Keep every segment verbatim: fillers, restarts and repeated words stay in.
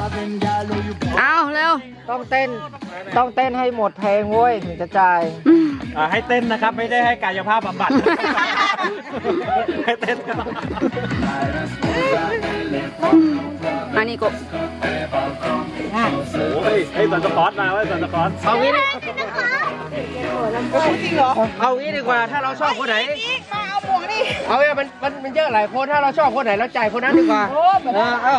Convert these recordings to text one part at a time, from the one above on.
เอาเร็วต้องเต้นต้องเต้นให้หมดเพลงเว้ยถึงจะจ่ายให้เต้นนะครับไม่ได้ให้กายภาพบำบัดให้เต้นอันนี้กบโอ้ยให้สันสปอร์ตมาไว้สันสปอร์ตเอางี้จริงเหรอเอางี้ดีกว่าถ้าเราชอบคนไหนเอาหมวกดิเอาเนี่ยมันมันมันเยอะหลายคนถ้าเราชอบคนไหนเราจ่ายคนนั้นดีกว่าเออเอา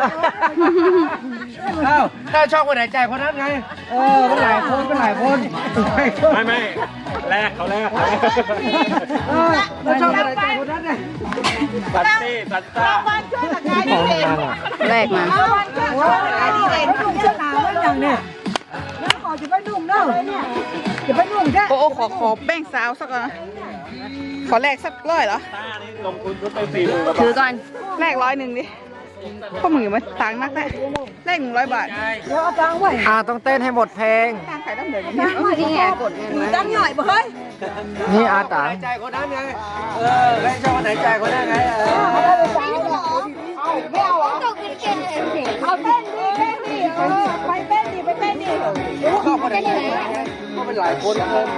เอาถ้าชอบคนไหนจ่ายคนนั้นไงเออเป็นหลายคนเป็นหลายคนไม่ไม่แลกเขาแลกเออเราชอบคนไหนจ่ายคนนั้นไงสัตตี้สัตต้าวันช่วยตะกายดีเด่นแรกมาวันช่วยตะกายดีเด่นนุ่งเสื้อหนาวไว้อย่างเนี่ยแล้วขอจะไปนุ่งเนอะจะไปนุ่งแค่โอ้ขอขอแป้งสาวสักก่อนขอแลกสักร้อยเหรอต้านี่ลงทุนชุดไปสี่หมื่นถือก่อนแลกร้อยหนึ่งดิพวกมึงอย่ามาตังนักแน่แลกหนึ่งร้อยบาทเดี๋ยวเอาตังไว้อ่าต้องเต้นให้หมดเพลงตังใครต้องเดินอย่างนี้นี้นี่ไงกดเงินมาตังหน่อยบ่เฮ้ยนี่อาตาจ่ายคนนั้นไงเออไม่ชอบคนไหนจ่ายคนนั้นไงเออไม่เอาอ่ะต้องกินเก่งเอาเต้นดิเต้นดิเออไปเต้นดิไปเต้นดิชอบคนไหนก็เป็นหลายคนเลย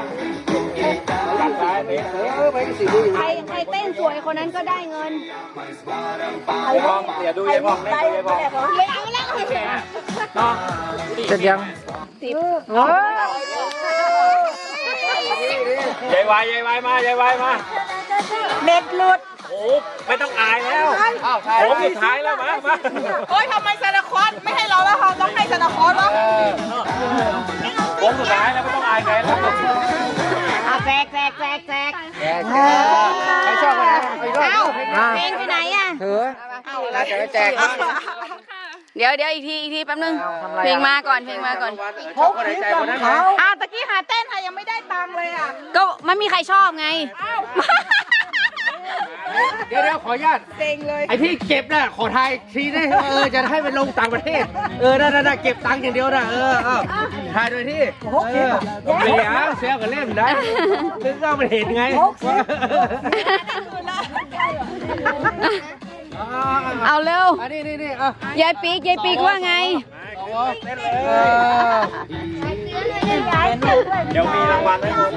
เออไปสิใครใครเต้นสวยคนนั้นก็ได้เงินไอ้บองอย่าดูไอ้บองเล่นไอ้บองไม่เอาแล้วจะยังสิบยายวายยายวายมายายวายมาเน็ตหลุดโอ้ไม่ต้องอายแล้วโอ้สุดท้ายแล้วมามาโอ้ยทำไมซานาคอสไม่ให้เราแล้วเราต้องให้ซานาคอสวะโอ้สุดท้ายแล้วไม่ต้องอายใครแล้วอ่ะแจกแจกแจกแจกใครชอบคนไหนเอ้าเพลงไปไหนอ่ะเถือเราจะไปแจกเดี๋ยวเดี๋ยวอีกทีอีกทีแป๊บนึงเพลงมาก่อนเพลงมาก่อนชอบคนไหนใจคนนั้นเขาอ่ะตะกี้หาเต้นค่ะยังไม่ได้ตังค์เลยอ่ะก็ไม่มีใครชอบไงเดี๋ยวเดี๋ยวขออนุญาตเซ็งเลยไอที่เก็บน่ะขอทายทีได้เออจะให้ไปลงต่างประเทศเออนั่นน่ะเก็บตังค์อย่างเดียวน่ะเออเอาทายโดยที่เออเสียเสียกับเล่มได้ซึ่งก็มันเห็นไงเอาเร็วอันนี้นี่นี่เอยายปีกยายปีกว่าไงเดี๋ยวมีรางวัลให้คุณ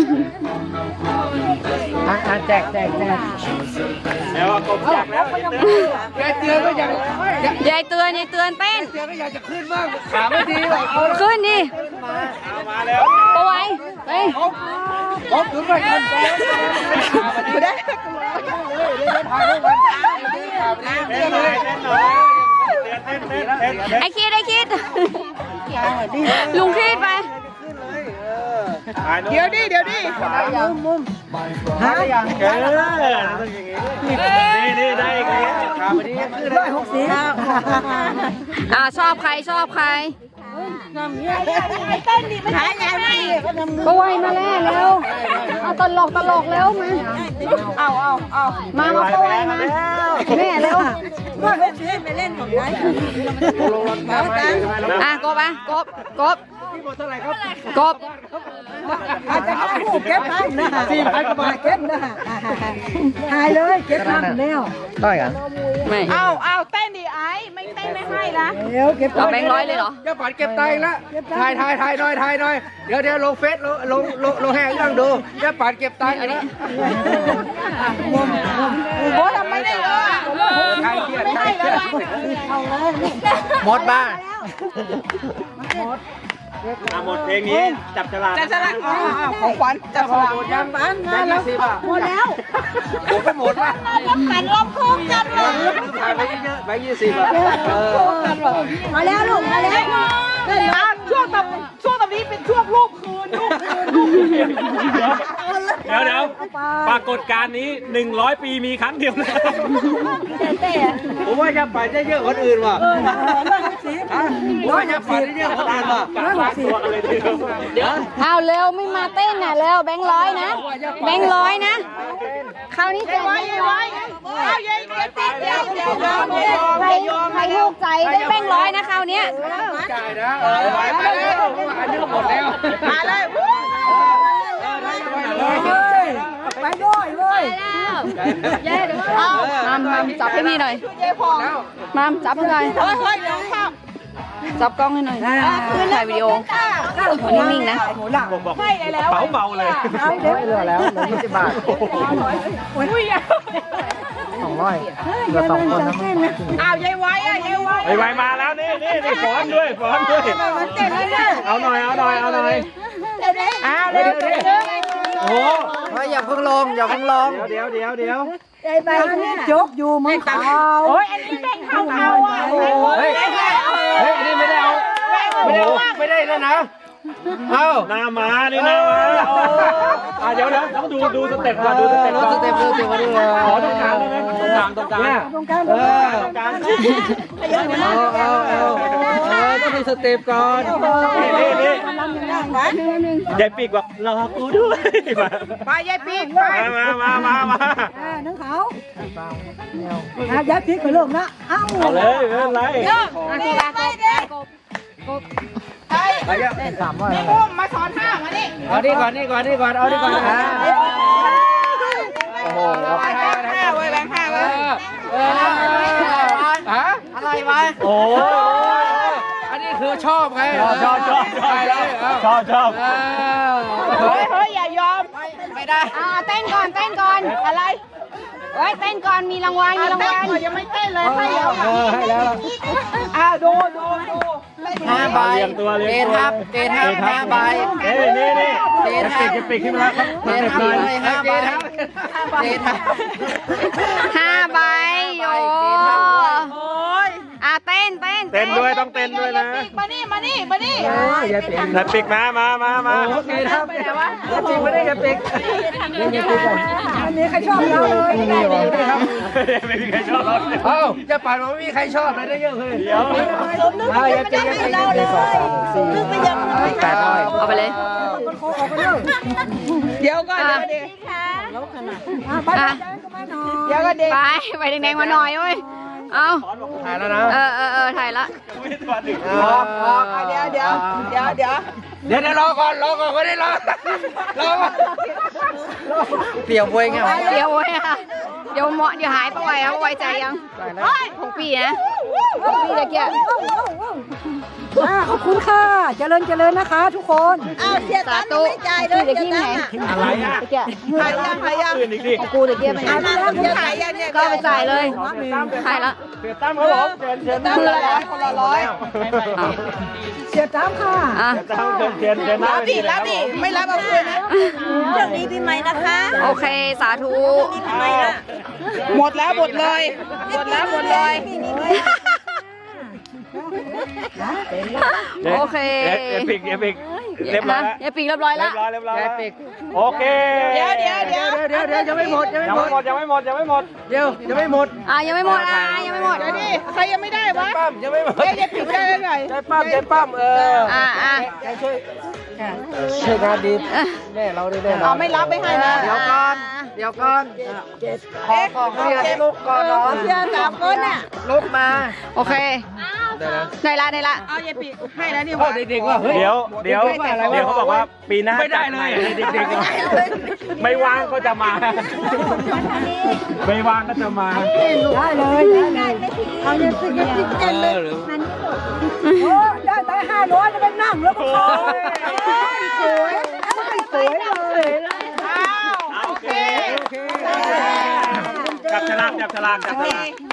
อ่าแจกแจกแจกแล้วกบแจกแล้วยายเตือนก็อยากยายเตือนยายเตือนเต้นเตือนก็อยากจะขึ้นบ้างขาไม่ดีหรอกเอาขึ้นดิมาแล้วปะไว้เฮ้ยครบถึงไปกันไม่ได้ไอ้คิดไอ้คิดลุงคิดไปเดี๋ยวดิเดี๋ยวดิมุมมุมหาอย่างเออนี่นี่ได้อีกแล้วขาวันนี้ขึ้นร้อยหกสิบอ่าชอบใครชอบใครเต้นดิไม่หายไงไม่ก็ไวมาแล้วเร็วเอาตลกตลกเร็วมาเอาเอาเอามามาก็ไวมาแม่เร็วว่าเล่นไปเล่นของไหนอ่ะกบอ่ะกบกบกบอาจจะให้หูเก็บให้นะสี่พันกว่าบาทเก็บนะหายเลยเก็บทำแล้วได้กันไม่เอาเอาเต้นดิไอ้ไม่เต้นไม่ให้นะเดี๋ยวเก็บเอาแบงค์ร้อยเลยเหรอจะปัดเก็บตังค์ละถ่ายถ่ายถ่ายหน่อยถ่ายหน่อยเดี๋ยวเดี๋ยวลงเฟซลงลงลงลงแห้งยังดูจะปัดเก็บตังค์อันนี้โอ้ทำไม่ได้เลยใครเครียดใครเครียดหมดบ้านหมดเพลงนี้จับฉลากจับฉลากอ๋อของขวัญจับฉลากยังบ้านมาแล้วหมดแล้วผมไปหมดละแล้วกันรอบโค้งกันเลยถ่ายไปเยอะไปยี่สิบอ่ะมาแล้วลูกมาแล้วช่วงต่ำช่วงต่ำนี้เป็นช่วงรูปคืนรูปคืนรูปคืนเดี๋ยวเดี๋ยวปรากฏการณ์นี้หนึ่งร้อยปีมีครั้งเดียวนะผมว่าจะไปได้เยอะคนอื่นว่ะผมว่าจะไปได้เยอะคนอื่นว่ะเดี๋ยวเอาเร็วไม่มาเต้นน่ะเร็วแบงค์ร้อยนะแบงค์ร้อยนะคราวนี้แจกแบงค์ร้อยเอาเย้เย้ติดเย้เย้ใครใครถูกใจได้แบงค์ร้อยนะคราวนี้จ่ายนะเออไปแล้วอันนี้หมดแล้วมาเลยไปด้วยเว้ยเย้เดี๋ยวเอามามามจับให้พี่หน่อยมามจับให้หน่อยเฮ้ยเฮ้ยเดี๋ยวข้าวจับกล้องให้หน่อยถ่ายวิดีโอนิ่งๆนะหมูหลังผมบอกเบาเบาเลยเอาเดี๋ยวเหลือแล้วเหลือยี่สิบบาทสองร้อยเหลือสองคนนะอ้าวยายไว้อะยายไว้ไอ้ไวมาแล้วนี่นี่นี่ฟ้อนด้วยฟ้อนด้วยเอาหน่อยเอาหน่อยเอาหน่อยอ้าวเร็วเร็วเร็วโอ้โหอย่าเพิ่งลงอย่าเพิ่งลงเดี๋ยวเดี๋ยวเดี๋ยวไอ้ใบนี่โจกอยู่มึงเขาโอ้ยอันนี้แบ่งเท่าเอาอ่ะเฮ้ยเฮ้ยอันนี้ไม่ได้เอาไม่ได้เอาไม่ได้แล้วนะเอาหน้ามานี่หน้ามาอ่ะเดี๋ยวเดี๋ยวต้องดูดูสเต็ปก่อนดูสเต็ปก่อนสเต็ปดูสเต็ปมาดูขอตรงกลางได้ไหมตรงกลางตรงกลางตรงกลางเออตรงกลางเอาเอาเอาเออต้องมีสเต็ปก่อนนี่นี่นี่ยายปีกบอกรอกูด้วยมาไปยายปีกไปมามามามาอ่าน้องเขาอ่ะยัดพริกไปลูกนะเอ้าเอาเลยไม่เป็นไรสามร้อยนี่อุ้มมาสอนห้ามานี่เอานี่ก่อนนี่ก่อนนี่ก่อนเอานี่ก่อนนะโอ้โหแบงค์ห้าไว้แบงค์ห้าไว้เออฮะอะไรวะโอ้อันนี้คือชอบไงชอบชอบชอบชอบชอบชอบเฮ้ยเฮ้ยอย่ายอมไม่ได้อ่าเต้นก่อนเต้นก่อนอะไรเฮ้ยเต้นก่อนมีรางวัลมีรางวัลยังไม่เต้นเลยให้เอาเออให้แล้วอ่าดูดูดูห้าใบเรียงตัวเรียงเกตัวทับเกทับห้าใบเอ้ยนี่นี่เกจะทัปิบดจะปิดขึ้นมาแล้วเกทับเลยห้าใบเกทับห้าใบโยโอ้ยอ่าเต้นเต้นเต้นด้วยต้องเต้นด้วยนะมานี่มานี่มานี่อย่าเปลี่ยนจะปิกมามามามาโอเคครับอย่าปิกไม่ได้อย่าปิกอย่าปิกก่อนอันนี้ใครชอบเราเลยนี่หรอครับไม่มีใครชอบเราเลยเอ้าจะปั่นว่าไม่มีใครชอบเลยได้เยอะเลยเดี๋ยวอ่าอย่าปิกอย่าปิกอย่าปิกสองสามสี่แปดร้อยเอาไปเลยคนโคออกไปเลยเดี๋ยวก่อนอ่ะเดี๋ยวอ่ะไปอ่ะเดี๋ยวก็เด็กไปไปแดงๆมาหน่อยเว้ยเอาถ่ายแล้วนะเออเออเออถ่ายละตัวหนึ่งออกออกเดี๋ยวเดี๋ยวเดี๋ยวเดี๋ยวเดี๋ยวเดี๋ยวรอก่อนรอก่อนก็ได้รอรอก่อนเปรียวบวยไงเดี๋ยวเว้ยอ่ะเดี๋ยวเหมาะเดี๋ยวหายไปไวเอาไว้ใจยังของปีนะของปีตะเกียบอ่ะขอบคุณค่ะเจริญเจริญนะคะ ทุกคนสาธุพี่ตะกี้ไหนอะไรอ่ะตะเกียบถ่ายยังถ่ายยังอื่นอีกดิของกูตะเกียบไปไหนถ่ายยังเนี่ยก็ไปจ่ายเลยถ่ายละเสียตั้มครับผมเชิญเชิญคนละร้อยคนละร้อยเสียจ้ามค่ะอ่ะตั้มเชิญเชิญเชิญรับดิรับดิไม่รับเอาคืนนะเรื่องนี้พี่ไหมนะคะ โอเคสาธุหมดแล้วหมดเลยหมดแล้วหมดเลยโอเคเอปิกเอปิกเรียบร้อยแล้วอย่าปีกเรียบร้อยเรีแล้ยว บร้อยเรียบร้อยแล้วโอเคเดี๋ยวเดี๋ยวเดี๋ยวเดี๋ยวเดี๋ยวยังไม่หมดยังไม่ยังหมไม่ดหมดยังไม่หมดยังไม่หมดเดี๋ยวยังไม่หมดอ่ะยังไม่หมดอ่ะยังไม่หมดเดี๋ยวดิใครยังไม่ได้วะปั้มยังไม่หมดเอ๊ะจะปิดได้ยังไงใจปั้มใจปั้มเอออ่ะอ่ะช่วยช่วยงานดีแม่เราได้แน่นอเอานไม่รับไม่ให้นะเดี๋ยวก่อนเดี๋ยวก่อนขอของเรียนลูกก่อนเนาะเสียสามคนน่ะลูกมาโอเคได้ละได้ละเอาอย่าปิดให้แล้วนี่หพ่อว่าเด็กๆว่าเฮ้ยเดี๋ยวเดี๋ยวเดี๋ยวเขาบอกว่าปีหน้าไม่ได้เลยเด็กๆไม่ว่างก็จะมา ไม่ว่างก็จะมาได้เลยได้เลยเอาเงินสิเงินสิเงินเลยโอ้ได้ไปห้าร้อยจะไปนั่งแล้วก็ขอสวยสวยเลยอ้าวโอเคจับฉลากจับฉลากจับฉลาก